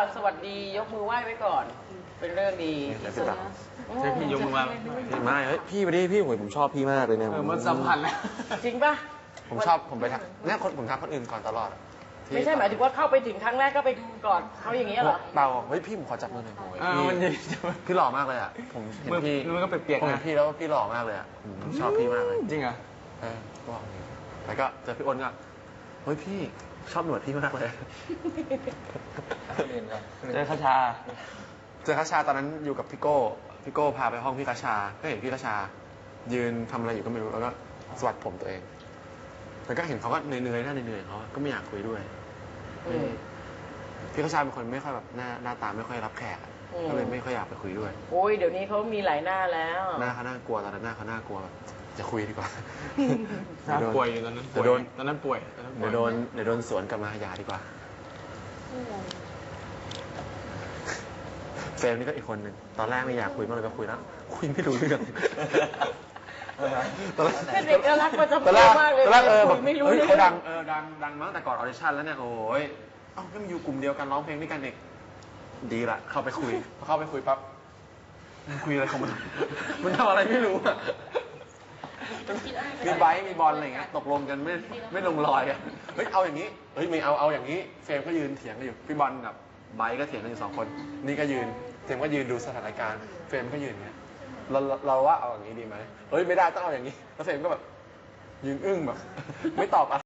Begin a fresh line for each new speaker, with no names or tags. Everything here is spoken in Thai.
สวัสดียกมือไหว้ไว้ก่อน เป็นเรื่องดี
ใช่พี่ยกมือมา
พี่ไม่เฮ้ยพี่ไปดิพี่ผมชอบพี่มากเลยเนี่ย
มันสัมพันธ์แล้ว
จริงป่ะ
ผมชอบผมไปทักเนี่ยผมทักคนอื่นก่อนตลอดอะที่
ไม่ใช่หมายถึงว่าเข้าไปถึงครั้งแรกก็ไปกอดเขาอย่างเงี้ยเหรอ
เปล่าเฮ้ยพี่ผมขอจับมือหน่อยโอ้ย
มันดี
พี่หล่อมากเลยอ่ะผมเห็นพี่
มันก็เปียกๆ
ผมเห็
นะ
นพี่แล้วพี่หล่อมากเลยอ่ะผมชอบพี่มากเลย
จริงเหรอ
ก็บอกอย่างนี้แล้วก็เจอพี่อ้นก็เฮ้ยพี่ชอบหนวดพี่มากเลย
เจอคาชา
เจอคาชาตอนนั้นอยู่กับพี่โก้พาไปห้องพี่คาชาก็เห็นพี่คาชา ยืนทำอะไรอยู่ก็ไม่รู้แล้วก็สวัสดผมตัวเองแล้วก็เห็นเขาก็เหนื่อยๆหน้าเหนื่อยๆเขาก็ไม่อยากคุยด้วย พี่คาชาเป็นคนไม่ค่อยแบบหน้าตาไม่ค่อยรับแขกอะก็เลยไม่ค่อยอยากไปคุยด้วย
โอ้ยเดี๋ยวนี้เขามีหลายหน้าแล้ว
หน้าเขาน่ากลัวตอนนั้นหน้าเขาน่ากลัวแบบจะคุยดีกว่า
ป่วยอยู่ตอนนั้น
เดี๋ยวโดน
ตอนนั้นป่วย
เดี๋ยวโดนสวนกลับมาอย่าดีกว่าเฟรมนี่ก็อีกคนหนึ่งตอนแรกไม่อยากคุยมากเลยก็คุยแล้วคุยไม่รู้เรื่องตอนแรก
เป็นเด็กน่ารักประจำ
ตอน
ตั
แร
ว
ก
มากเลย
ตอนแรกแบบ
ไม่รู้
เฮ้ย
เรื่
เขา
อง
ดังมาตั้งแต่ก่อนออดิชั่นแล้วเนี่ยโอ้ยเอ้าก็มาอยู่กลุ่มเดียวกันร้องเพลงด้วยกันเด็กดีละเข้าไปคุยพอเข้าไปคุยปั๊บมันคุยอะไรของมันมันทำอะไรไม่รู้อะมีไบค์มีบอลอะไรเงี้ยตกลงกันไม่ลงรอยอะเฮ้ยเอาอย่างนี้เฮ้ยไม่เอาอย่างนี้เฟรมก็ยืนเถียงกันอยู่พี่บอลกับไบค์ก็เถียงกันอยู่2 คนนี่ก็ยืนเฟรมก็ยืนดูสถานการณ์เฟรมก็ยืนอย่างเงี้ยเราว่าเอาอย่างนี้ดีไหมเฮ้ยไม่ได้ต้องเอาอย่างนี้แล้วเฟรมก็แบบยืนอึ้งแบบไม่ตอบอะไร